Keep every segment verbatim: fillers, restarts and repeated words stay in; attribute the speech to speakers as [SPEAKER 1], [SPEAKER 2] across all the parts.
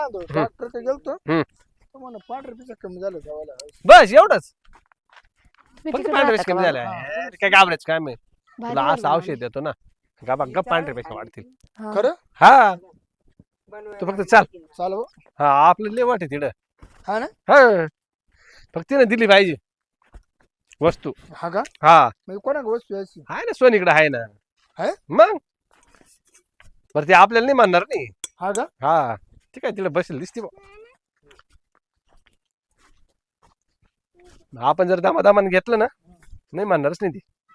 [SPEAKER 1] Doctor गेलतो
[SPEAKER 2] हम्म.
[SPEAKER 1] म्हणा पांढरे पिसा कमी झालं गावाला.
[SPEAKER 2] बस एवढंच
[SPEAKER 3] मी
[SPEAKER 2] फक्त
[SPEAKER 3] तिकडे
[SPEAKER 2] पांढरे
[SPEAKER 3] राहता
[SPEAKER 2] पेशी
[SPEAKER 3] का
[SPEAKER 2] कमी
[SPEAKER 3] बाबा?
[SPEAKER 2] झाल्या यार, काय घाबरायचं काय मी
[SPEAKER 3] भारी
[SPEAKER 2] तुला असं
[SPEAKER 3] झालं
[SPEAKER 2] औषध देतो ना गप्पा गप्प पांढरे पेशी वाढतील.
[SPEAKER 3] हा.
[SPEAKER 1] खरं
[SPEAKER 2] हा तू फक्त चाल.
[SPEAKER 1] चाल हो.
[SPEAKER 2] हा आपलं लय वाट आहे तिकडं.
[SPEAKER 1] हा ना
[SPEAKER 2] हा फक्त तिने दिली पाहिजे वस्तू.
[SPEAKER 1] हा का
[SPEAKER 2] हा
[SPEAKER 1] म्हणजे कोणा वस्तू यायची
[SPEAKER 2] आहे ना सोनीकडे आहे ना.
[SPEAKER 1] आहे?
[SPEAKER 2] मग बरं ते आपल्याला नाही म्हणणार नाही.
[SPEAKER 1] हा का
[SPEAKER 2] हा ठीक आहे तिला बसेल दिसते बा. आपण जर दामादामान घेतलं ना नाही म्हणणारच नाही ती.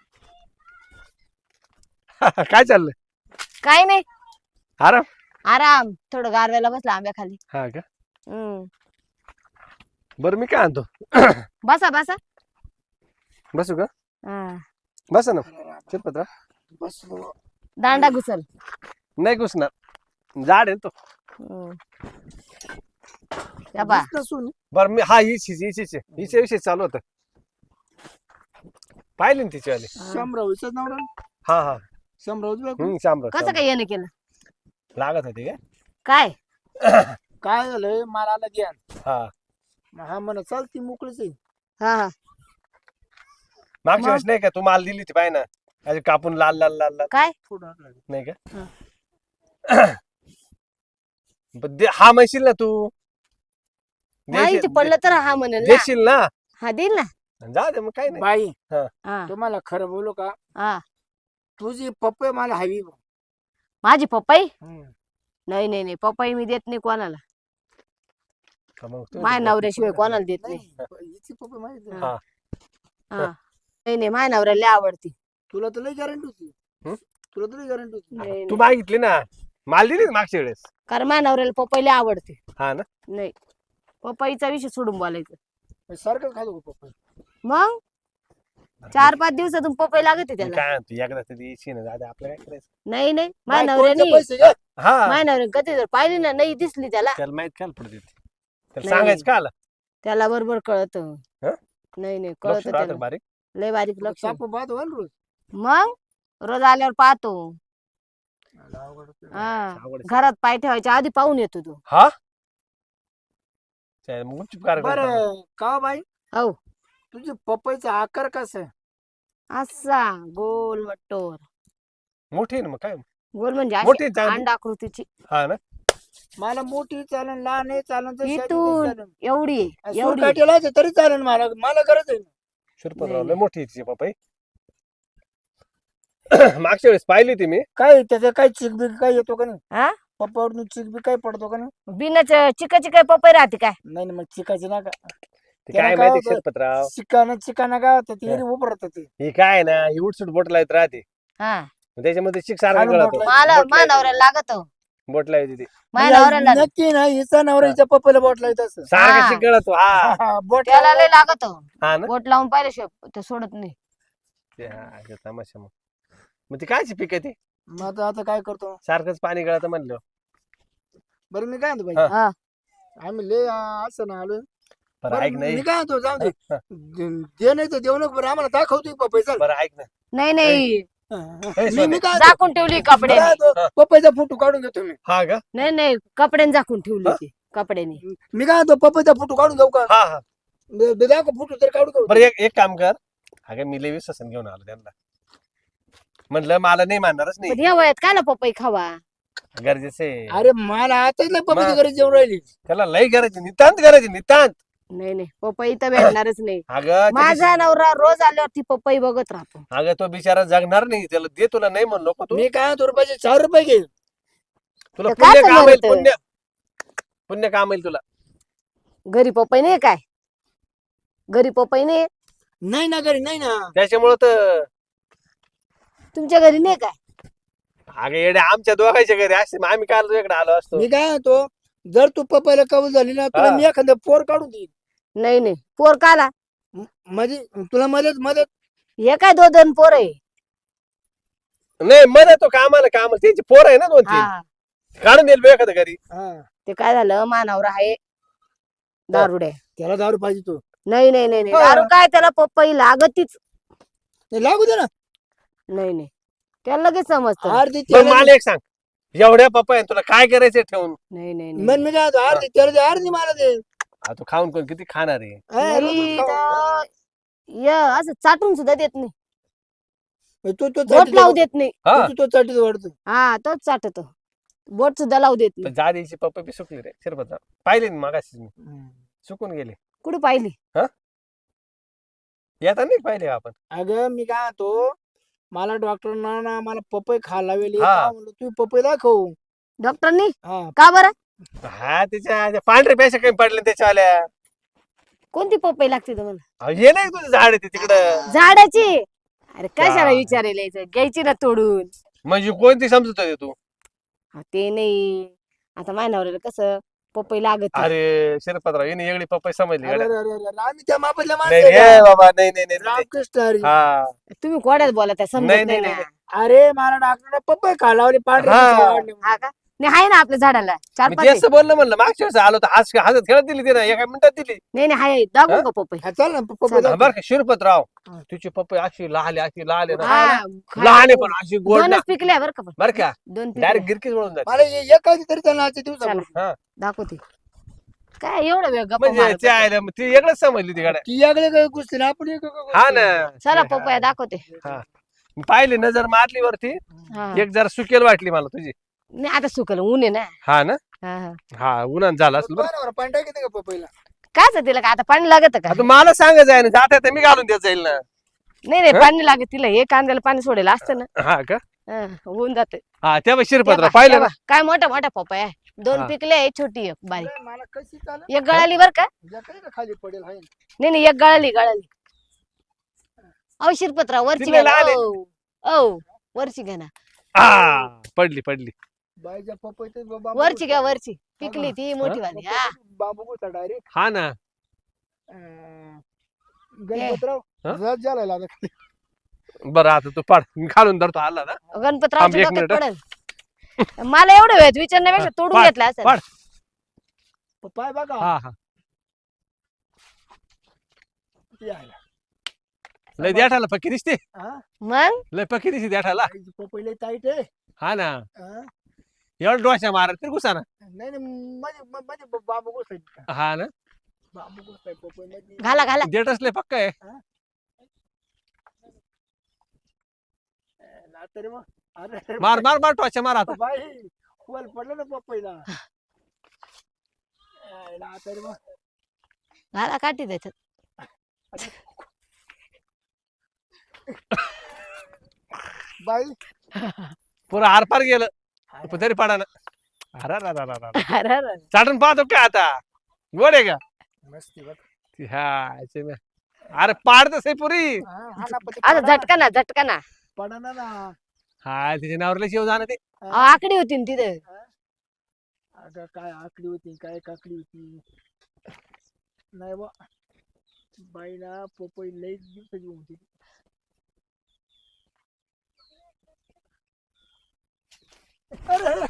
[SPEAKER 2] काय चाललंय
[SPEAKER 3] काय नाही
[SPEAKER 2] आराम.
[SPEAKER 3] आराम थोडं गारव्याला बसला आंब्या खाली.
[SPEAKER 2] हा का
[SPEAKER 3] हम्म.
[SPEAKER 2] बरं मी काय आणतो
[SPEAKER 3] बसा बसा.
[SPEAKER 2] बसू का
[SPEAKER 3] हा.
[SPEAKER 2] बसा ना शिरपत्रा.
[SPEAKER 1] बस बाबा.
[SPEAKER 3] दांडा घुसल.
[SPEAKER 2] नाही घुसणार झाड आहे तो.
[SPEAKER 3] हम्म. या बा.
[SPEAKER 1] दिसलं सोनी.
[SPEAKER 2] बरं मी हा हिच हिच हिच हिच्या विषयी चालू होतं पाहिले ना तिची आली.
[SPEAKER 1] शामरावचा नवरा
[SPEAKER 2] हा हा
[SPEAKER 1] शामरावच बायको.
[SPEAKER 2] हम्म शामराव
[SPEAKER 3] कसं काय येणं केलं
[SPEAKER 2] लागत होती काय
[SPEAKER 3] काय
[SPEAKER 1] काय झालंय मला आला ध्यान.
[SPEAKER 2] हा
[SPEAKER 1] हा म्हणा चालती मोकळीच आहे.
[SPEAKER 3] हा हा
[SPEAKER 2] मागच्या वेळेस नाही का तू माल दिली होती पाय ना अशी कापून लाल लाल लाल लाल
[SPEAKER 3] काय
[SPEAKER 1] थोडं आलं.
[SPEAKER 2] नाही का
[SPEAKER 3] हा.
[SPEAKER 2] पण दे- हा म्हणशील ना तू
[SPEAKER 3] माहिती
[SPEAKER 2] देशील
[SPEAKER 3] पडलं तर हा म्हणेल ना.
[SPEAKER 2] देशील ना
[SPEAKER 3] हा देईल ना.
[SPEAKER 2] जा दे मग काय नाही.
[SPEAKER 1] बाई
[SPEAKER 3] हा
[SPEAKER 1] तुम्हाला खरं बोलू का
[SPEAKER 3] हा
[SPEAKER 1] तुझी पप्पे मला हवी.
[SPEAKER 3] माझी पप्पाई
[SPEAKER 1] हम्म.
[SPEAKER 3] नाही नाही नाही पप्पाई मी देत नाही कोणाला.
[SPEAKER 2] हा, मग तू-
[SPEAKER 3] माझ्या नवऱ्याशिवाय कोणाला देत नाही.
[SPEAKER 1] नाही हिची पप्पे माहिती आहे.
[SPEAKER 2] हा.
[SPEAKER 3] हा नाही नाही माझ्या नवऱ्याला लय आवडती.
[SPEAKER 1] तुला तर लई गॅरंटी होती.
[SPEAKER 2] हम्म?
[SPEAKER 1] तुला तर लई गॅरंटी होती.
[SPEAKER 3] नाही,
[SPEAKER 2] तू
[SPEAKER 3] नाही.
[SPEAKER 2] मागितली ना माल दिली ना मागच्या वेळेस.
[SPEAKER 3] कारण माझ्या नवऱ्याला पप्पाई लय आवडते.
[SPEAKER 2] हा ना
[SPEAKER 3] नाही पप्पाईचा विषय सोडून बोलायचं.
[SPEAKER 1] सारखंच खातो पप्पा.
[SPEAKER 3] मग चार पाच दिवसातून पपई लागते
[SPEAKER 2] मी
[SPEAKER 3] त्याला.
[SPEAKER 2] काय तू एकदा तरी येशी ना दादा आपलं काय करायचं.
[SPEAKER 3] नाही नाही माझ्या
[SPEAKER 1] बायकोचे
[SPEAKER 3] नवऱ्याने
[SPEAKER 1] पैसे घे.
[SPEAKER 2] हा
[SPEAKER 3] माझ्या नवऱ्याने कधी जर पाहिली ना नाही दिसली त्याला
[SPEAKER 2] त्याला माहित काय पडते त्याला
[SPEAKER 3] नाही.
[SPEAKER 2] सांगायचं का आला
[SPEAKER 3] त्याला बरोबर कळत.
[SPEAKER 2] हं?
[SPEAKER 3] नाही नाही
[SPEAKER 2] लक्ष
[SPEAKER 3] कळत
[SPEAKER 2] राहतं
[SPEAKER 3] त्याला
[SPEAKER 2] बारीक.
[SPEAKER 3] लय बारीक लक्ष.
[SPEAKER 1] साप बाद व्हाल रोज.
[SPEAKER 3] मग रोज आल्यावर पाहतो.
[SPEAKER 1] अवघड होतं.
[SPEAKER 3] हा
[SPEAKER 2] आवड आहे.
[SPEAKER 3] घरात पाय ठेवायच्या आधी पाहून येतो तू.
[SPEAKER 2] हा चालेल, मग गुपचूप कार्यक्रम करा.
[SPEAKER 1] बरं का बाई
[SPEAKER 3] हो
[SPEAKER 1] तुझी पपईचा आकार कसा आहे.
[SPEAKER 3] असा गोल मट्टोर.
[SPEAKER 2] मोठी आहे ना मग काय
[SPEAKER 3] गोल म्हणजे अशी
[SPEAKER 2] मोठी चांगली.
[SPEAKER 3] अंडाकृतीची
[SPEAKER 2] हा ना
[SPEAKER 1] मला मोठी चालन लहान आहे चालन तर शादी
[SPEAKER 3] इथून
[SPEAKER 1] नाही चालन.
[SPEAKER 3] एवढी आहे,
[SPEAKER 1] सूर
[SPEAKER 3] एवढी
[SPEAKER 1] काठीला आहे तरी चालेल मला मला गरज आहे.
[SPEAKER 2] शिरपतराव
[SPEAKER 3] नाही,
[SPEAKER 2] लय मोठी आहे तिची पपई. मागच्या वेळेस पाहिली होती मी.
[SPEAKER 1] काय त्याचं काय चिकबिक काय येतो का नाही
[SPEAKER 3] हा
[SPEAKER 1] पप्पावरून चिकबिक काय पडतो का नाही.
[SPEAKER 3] बिनाच चिकाची काय पपई राहते काय.
[SPEAKER 1] नाही ना मग चिकाची ना का
[SPEAKER 2] ते
[SPEAKER 1] त्याला
[SPEAKER 2] काय
[SPEAKER 1] काय
[SPEAKER 2] माहिती
[SPEAKER 1] होतं?
[SPEAKER 2] शिरपतराव
[SPEAKER 1] चिकाना चिकाना काय होतं
[SPEAKER 2] हा.
[SPEAKER 1] ते उभं राहतं ते.
[SPEAKER 2] ही काय ना ही उठसूट बोटला येत राहते
[SPEAKER 3] हा
[SPEAKER 2] मग त्याच्यामध्ये चिक सारखं
[SPEAKER 1] खालून
[SPEAKER 2] गळतो.
[SPEAKER 1] बोटला
[SPEAKER 3] मला
[SPEAKER 2] बोटला
[SPEAKER 3] माझ्या
[SPEAKER 2] येते.
[SPEAKER 3] नवऱ्याला लागत
[SPEAKER 2] बोटला येते ती
[SPEAKER 3] माझ्या नवऱ्याला
[SPEAKER 1] म्हणजे नक्की ना हिचा नवरा हिच्या पप्पाला बोटला येत असं.
[SPEAKER 2] सारखं
[SPEAKER 3] हा.
[SPEAKER 2] चिक गळतो. हा
[SPEAKER 1] बोट
[SPEAKER 3] त्याला लय लागत
[SPEAKER 2] हा ना
[SPEAKER 3] बोट लावून पाहिल्याशिवाय ते सोडत नाही.
[SPEAKER 2] ते हा, ते तमाशा मग मग ती कायची पीक आहे ती
[SPEAKER 1] मग आता आता काय करतो
[SPEAKER 2] सारखंच पाणी गळतं म्हणलं.
[SPEAKER 1] बरं मी काय म्हणतो
[SPEAKER 2] हा.
[SPEAKER 1] बाई
[SPEAKER 3] हा
[SPEAKER 1] आम्ही लय आ, असं ना आलोय.
[SPEAKER 2] बरं
[SPEAKER 1] बरं,
[SPEAKER 2] ऐक नाही
[SPEAKER 1] मी काय म्हणतो जाऊ दे
[SPEAKER 2] हा.
[SPEAKER 1] दे दे नाही तर देऊ नको बरं आम्हाला दाखवतोय पपईचा.
[SPEAKER 2] बरं ऐक ना
[SPEAKER 3] नाही नाही
[SPEAKER 1] मी मी काय
[SPEAKER 3] झाकून ठेवली कपड्याने.
[SPEAKER 1] म्हणतो, पपईचा फोटो काढून घेतो मी.
[SPEAKER 2] हा का
[SPEAKER 3] नाही नाही कपड्याने झाकून ठेवली
[SPEAKER 2] हा?
[SPEAKER 3] ती कपड्याने.
[SPEAKER 1] मी काय म्हणतो पपईचा फोटो काढून घेऊ का
[SPEAKER 2] हा हा
[SPEAKER 1] दे- दे- दाखव फोटो तर काढू का
[SPEAKER 2] बरं एक एक काम कर अगं मी लय विश्वासन घेऊन आलो त्यांना म्हणलं मला नाही मानणारच
[SPEAKER 3] पण
[SPEAKER 2] नाही
[SPEAKER 3] या वयात काय ना पपई खावा.
[SPEAKER 2] गरजेचं आहे.
[SPEAKER 1] अरे मला आताच नाही पपईची
[SPEAKER 2] मग.
[SPEAKER 1] गरज जेवण राहिली.
[SPEAKER 2] त्याला लय गरज आहे नितांत गरज आहे नितांत.
[SPEAKER 3] नाही नाही पपई तर भेटणारच नाही.
[SPEAKER 2] अगं त्याची-
[SPEAKER 3] माझा नवरा रोज आल्यावर ती पपई बघत राहतो.
[SPEAKER 2] अगं तो बिचारा जगणार नाही त्याला दे तुला नाही म्हणलो का तू
[SPEAKER 1] मी काय म्हणतो रुपयाचे चार रुपये घे.
[SPEAKER 2] तुला
[SPEAKER 3] तर काय
[SPEAKER 2] पुण्य काम येईल
[SPEAKER 3] समजतं?
[SPEAKER 2] पुण्य पुण्य काम येईल तुला.
[SPEAKER 3] घरी पपई नाही काय घरी पपई नाही
[SPEAKER 1] नाही ना घरी नाही ना.
[SPEAKER 2] त्याच्यामुळं तर
[SPEAKER 3] तुमच्या घरी नाही काय.
[SPEAKER 2] अगं येड्या आमच्या दोघांच्या घरी असते मग आम्ही काल तुझ्याकडे आलो असतो.
[SPEAKER 1] मी काय म्हणतो जर तू पपईला कबूल झाली ना तुला
[SPEAKER 2] हा.
[SPEAKER 1] मी एखादं पोर काढून देईन.
[SPEAKER 3] नाही नाही पोर काला
[SPEAKER 1] म- म्हणजे तुला मदत मदत
[SPEAKER 3] हे काय दोन दोन पोर आहे.
[SPEAKER 2] नाही मदत तो कामाला कामाला त्यांची पोर आहे ना दोन तीन
[SPEAKER 3] हा
[SPEAKER 2] काढून देईल बे एखादं घरी.
[SPEAKER 1] हा
[SPEAKER 3] ते काय झालं मानावर आहे दारुड्या.
[SPEAKER 1] त्याला दारू पाहिजे तो.
[SPEAKER 3] नाही नाही नाही नाही
[SPEAKER 1] हा.
[SPEAKER 3] दारू काय त्याला पपई लागतीच.
[SPEAKER 1] नाही लागू दे ना
[SPEAKER 3] नाही नाही त्याला लगेच समजत.
[SPEAKER 1] अर्धी
[SPEAKER 2] बरं
[SPEAKER 1] त्याला
[SPEAKER 2] मला एक सांग एवढ्या पप्पा तुला काय करायचंय ठेवून
[SPEAKER 3] नाही नाही
[SPEAKER 1] मन
[SPEAKER 3] नाही.
[SPEAKER 1] मी काय म्हणतो, अर्धी त्याला दे, अर्धी मला दे.
[SPEAKER 2] आ, तू खाऊन कोण किती खाणार आहे
[SPEAKER 1] हा, रोजच
[SPEAKER 3] नाही,
[SPEAKER 1] खाऊ.
[SPEAKER 3] तर य असं चाटून सुद्धा देत नाही,
[SPEAKER 1] तू तो
[SPEAKER 3] बोट
[SPEAKER 1] चाटीत
[SPEAKER 3] लावू
[SPEAKER 1] वाढतो.
[SPEAKER 3] देत नाही.
[SPEAKER 2] हा
[SPEAKER 1] तू तो चाटीत वाढतो.
[SPEAKER 3] हा तोच चाटतो, बोट सुद्धा लावू देत
[SPEAKER 2] पण
[SPEAKER 3] नाही.
[SPEAKER 2] जादीची पप्पा बी सुकली रे शिरपतराव पाहिले ना मगाशी मी सुकून गेले
[SPEAKER 3] कुठे पाहिली?
[SPEAKER 2] येता नाही पाहिले आपण
[SPEAKER 1] अगं मी काय म्हणतो, मला डॉक्टरना ना मला पपई खायला लावली.
[SPEAKER 2] हा.
[SPEAKER 1] का म्हणलं तू पपई दाखव.
[SPEAKER 3] डॉक्टरनी
[SPEAKER 1] हा
[SPEAKER 3] का बरं?
[SPEAKER 2] हा त्याच्या त्या पांढरे पैसे कमी पडले त्याच्या आल्या
[SPEAKER 3] कोणती पपई लागते तुम्हाला?
[SPEAKER 2] अहो, हे नाही तुझं झाड आहे ते तिकडं
[SPEAKER 3] झाडाची? अरे कशाला
[SPEAKER 2] काय?
[SPEAKER 3] विचारायला यायचं, घ्यायची ना तोडून.
[SPEAKER 2] म्हणजे कोणती समजत होती तू
[SPEAKER 3] हा, ते नाही, आता मायनावऱ्याला कसं पपई लागत.
[SPEAKER 2] अरे शिरपतराव येणे एवढी पप्पा समजली
[SPEAKER 1] अरे
[SPEAKER 2] गड्या.
[SPEAKER 1] अरे अरे अरे, आम्ही त्या मापातल्या
[SPEAKER 2] नाही
[SPEAKER 1] माणसं
[SPEAKER 2] रे
[SPEAKER 1] आहे का?
[SPEAKER 2] बाबा नाही नाही नाही, नाही
[SPEAKER 1] रामकृष्ण हरी.
[SPEAKER 2] हा
[SPEAKER 3] तुम्ही कोड्यात बोला त्या
[SPEAKER 2] नाही,
[SPEAKER 3] समजत
[SPEAKER 2] नाही,
[SPEAKER 3] नाही
[SPEAKER 2] नाही,
[SPEAKER 3] ना.
[SPEAKER 1] अरे मला डॉक्टरने पपई खायला लावली. पांढरे
[SPEAKER 2] हा.
[SPEAKER 1] पिसाळे वाढले.
[SPEAKER 3] हा का? नाही आहे ना आपल्या झाडाला चार
[SPEAKER 2] मी
[SPEAKER 3] पाच
[SPEAKER 2] ते
[SPEAKER 3] आहे.
[SPEAKER 2] असं बोललं म्हणलं मागच्या वेळेस आलो तर हास हसत खेळत दिली ते ना एका मिनिटात दिली
[SPEAKER 3] नाही नाही आहे, दाखवू
[SPEAKER 2] हा?
[SPEAKER 3] का पपई?
[SPEAKER 1] हा, चल ना पपई
[SPEAKER 3] चल.
[SPEAKER 1] दाखव.
[SPEAKER 2] बरं का शिरपतराव
[SPEAKER 1] हा.
[SPEAKER 2] तुझी पप्पा अशी लहान अशी लहान आहे ना
[SPEAKER 3] हा,
[SPEAKER 2] लहान आहे पण अशी गोड ना
[SPEAKER 3] दोनच पिकल्या बरं का पण.
[SPEAKER 2] बरं का
[SPEAKER 3] दोन पिकल्या.
[SPEAKER 2] डायरेक्ट गिरकीच वळून जाते
[SPEAKER 1] मला हे एकाच तरी त्यांना आजच्या दिवसापूर्वी.
[SPEAKER 3] चला.
[SPEAKER 2] हा
[SPEAKER 3] दाखवते. काय एवढं वेळ गप्पा
[SPEAKER 2] म्हणजे
[SPEAKER 3] मारत
[SPEAKER 2] ते
[SPEAKER 3] बसता?
[SPEAKER 2] आयला ती वेगळंच समजली ती गाड्या
[SPEAKER 1] ती याकडे काय गोष्टी ना आपण एक
[SPEAKER 2] हा ना
[SPEAKER 3] चला पपया दाखवते.
[SPEAKER 2] हा पाहिली नजर मारली वरती
[SPEAKER 3] हा.
[SPEAKER 2] एक जरा सुकेल वाटली मला तुझी
[SPEAKER 3] नाही आता सुकल ऊन आहे ना.
[SPEAKER 2] हा ना
[SPEAKER 3] हा, हा.
[SPEAKER 2] हा उन्हात झाला असेल बरं
[SPEAKER 1] पाणी टाकते का पपईला?
[SPEAKER 3] काच तिला का आता पाणी लागत का?
[SPEAKER 2] आता मला सांगायचं आहे ना जाता तर मी घालून देत जाईल ना
[SPEAKER 3] नाही नाही
[SPEAKER 2] हा?
[SPEAKER 3] पाणी लागत तिला, हे कांद्याला पाणी सोडेल असतं ना.
[SPEAKER 2] हा का
[SPEAKER 3] हा, होऊन जाते.
[SPEAKER 2] हा तेव्हा शिरपतराव पाहिलं ना
[SPEAKER 3] काय मोठा मोठा पपया आहे. दोन
[SPEAKER 2] हा.
[SPEAKER 3] पिकले एक छोटी एक बारीक.
[SPEAKER 1] अरे, मला कशी चालेल?
[SPEAKER 3] एक गळाली बर का?
[SPEAKER 1] जकडे का खाली पडेल हाय.
[SPEAKER 3] नाही नाही एक गळाली गळाली. अहो शिरपतराव वरची
[SPEAKER 2] तिला
[SPEAKER 3] घ्या ना.
[SPEAKER 2] आले.
[SPEAKER 3] ओ ओ, वरची घ्या ना.
[SPEAKER 2] हा पडली पडली
[SPEAKER 1] बाईच्या पपईत बाबू
[SPEAKER 3] वरची घ्या वरची. पिकली ती मोठी वाली. हा
[SPEAKER 1] बाबू गोता डायरेक्ट
[SPEAKER 2] हा ना
[SPEAKER 1] गणपतराव
[SPEAKER 2] हा?
[SPEAKER 1] रस झाला आता खाली.
[SPEAKER 2] बरं आता तू पाड मी खालून धरतो आला ना
[SPEAKER 3] गणपतरावच्या
[SPEAKER 2] थांब एक
[SPEAKER 3] डोक्यात
[SPEAKER 2] मिनिट.
[SPEAKER 3] पडेल. मला एवढं वेळ विचारण्यापेक्षा तोडून
[SPEAKER 2] पाड,
[SPEAKER 3] घेतला असं.
[SPEAKER 2] पाड.
[SPEAKER 1] पाय बघा
[SPEAKER 2] हा हा
[SPEAKER 1] किती आहे.
[SPEAKER 2] लय द्याठाला पक्की दिसते
[SPEAKER 1] हा?
[SPEAKER 3] मग
[SPEAKER 2] लय पक्की दिसते द्याठाला
[SPEAKER 1] बाईची पपई लय टाईट आहे.
[SPEAKER 2] हा ना
[SPEAKER 1] हा?
[SPEAKER 2] एवढं डोशा मारत तरी घुसा ना
[SPEAKER 1] नाही नाही मध्ये मध्ये बाबू गोसाय
[SPEAKER 2] हा ना
[SPEAKER 1] बाबू गोसाय पपई मध्ये
[SPEAKER 3] घाला घाला.
[SPEAKER 2] देठच लय पक्का आहे
[SPEAKER 1] ना तरी मग अरे
[SPEAKER 2] मार मार मार टोचा मार आता
[SPEAKER 1] बाई खोल पडलं ना पपईला. ना तरी मग
[SPEAKER 3] घाला काठी त्याच्यात.
[SPEAKER 1] बाई
[SPEAKER 2] पुरं आरपार गेलं पण तरी पाडा ना अरे अरे, अरे, अरे, अरे.
[SPEAKER 3] अरे, अरे.
[SPEAKER 2] चाटून पाहतो का आता गोड आहे का
[SPEAKER 1] मस्ती बघ.
[SPEAKER 2] हा याचे मी- अरे पाडतच आहे पुरी
[SPEAKER 1] हा, हा ना, पण ते
[SPEAKER 3] आता
[SPEAKER 1] पडा ना.
[SPEAKER 3] झटका ना झटका ना.
[SPEAKER 1] पडा ना ना.
[SPEAKER 2] हा तिच्या नावरला शिव जाणं ते
[SPEAKER 3] अहो, आकडी होती ना तिथे.
[SPEAKER 1] अगं काय आकडी होती काय काकडी होती नाही बा बाईला पपई लई दिवसाची होती. अरे अरे.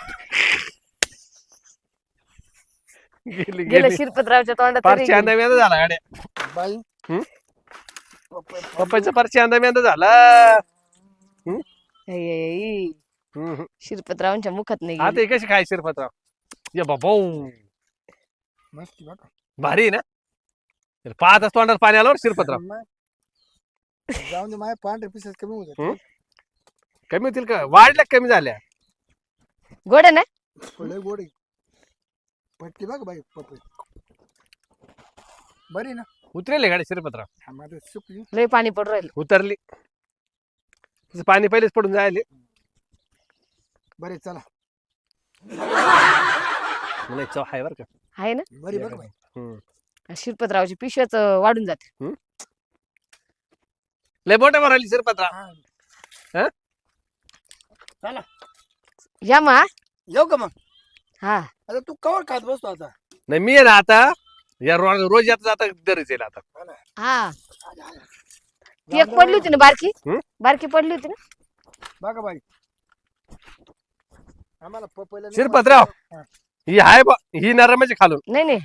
[SPEAKER 2] गेली
[SPEAKER 3] गेलं
[SPEAKER 2] गेली
[SPEAKER 3] शिरपतरावच्या तोंडात
[SPEAKER 2] पार
[SPEAKER 3] तरी
[SPEAKER 2] चांदा मेंदा झाला गाड्या
[SPEAKER 1] बाई
[SPEAKER 2] हम्म?
[SPEAKER 1] पपई
[SPEAKER 2] पप्पाचा पार चांदा मेंदा झाला
[SPEAKER 3] गेली. ऐ, ऐ, ऐ.
[SPEAKER 2] हम्म.
[SPEAKER 3] शिरपतरावांच्या मुखात नाही
[SPEAKER 2] आता
[SPEAKER 3] गेली.
[SPEAKER 2] हे कशी खाय शिरपतराव ये बाबा
[SPEAKER 1] मस्ती बघा.
[SPEAKER 2] भारी आहे ना तर पाहत असतो तोंडात पाणी आलं बरं शिरपतराव
[SPEAKER 1] मग जाऊन दे माझ्या पांढरे पिसेस कमी होतात.
[SPEAKER 2] हम्म? कमी होतील का वाढल्या का कमी झाल्या
[SPEAKER 3] गोड आहे ना?
[SPEAKER 1] लय गोड आहे. पटली बघ बाई पपई बरी ना.
[SPEAKER 2] उतरेल गाडी शिरपतराव
[SPEAKER 1] हा, माझं सुकली.
[SPEAKER 3] लय पाणी पडू राहिलं.
[SPEAKER 2] उतरली तिचं पाणी पहिलेच पडून जायले
[SPEAKER 1] बरे चला
[SPEAKER 2] मला चव आहे बरं का
[SPEAKER 3] आहे ना?
[SPEAKER 1] बरी बघ बाई.
[SPEAKER 2] हम्म.
[SPEAKER 3] शिरपतरावची पिशव्याच वाढून जाते.
[SPEAKER 2] लय बोट भरायली शिरपतराव
[SPEAKER 1] हा.
[SPEAKER 2] हा?
[SPEAKER 1] चला
[SPEAKER 3] या मा.
[SPEAKER 1] येऊ का मग?
[SPEAKER 3] हा
[SPEAKER 1] आता तू कवर खात बसतो आता.
[SPEAKER 2] नाही मी आहे ना आता या रोज रोज येता जाता दरच येईल आता
[SPEAKER 3] हा ती एक पडली होती ना बारकी.
[SPEAKER 2] हम्म?
[SPEAKER 3] बारकी पडली होती ना.
[SPEAKER 1] बघा बाई आम्हाला पपईला नाही
[SPEAKER 2] शिरपतराव
[SPEAKER 1] हा.
[SPEAKER 2] ही आहे बा ही नरमाची खालून
[SPEAKER 3] नाही नाही.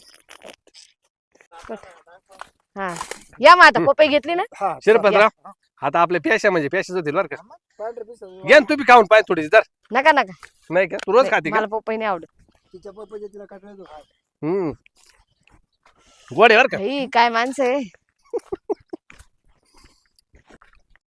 [SPEAKER 3] हा या मग आता पपई घेतली ना.
[SPEAKER 1] हा,
[SPEAKER 2] शिरपतराव आता आपल्या प्याशा म्हणजे प्याशाच होतील बरं का.
[SPEAKER 1] पांढरे पिस
[SPEAKER 2] घ्या ना तुम्ही खाऊन पाहिजे थोडीशी जर.
[SPEAKER 3] नका नका
[SPEAKER 2] नाही का तू रोज खाते का?
[SPEAKER 3] मला पपई नाही आवडत.
[SPEAKER 1] तिच्या पप्पाच्या तिला काकड्या तो खाय
[SPEAKER 2] हम्म गोड आहे बरं का.
[SPEAKER 3] भाई काय माणसं आहे.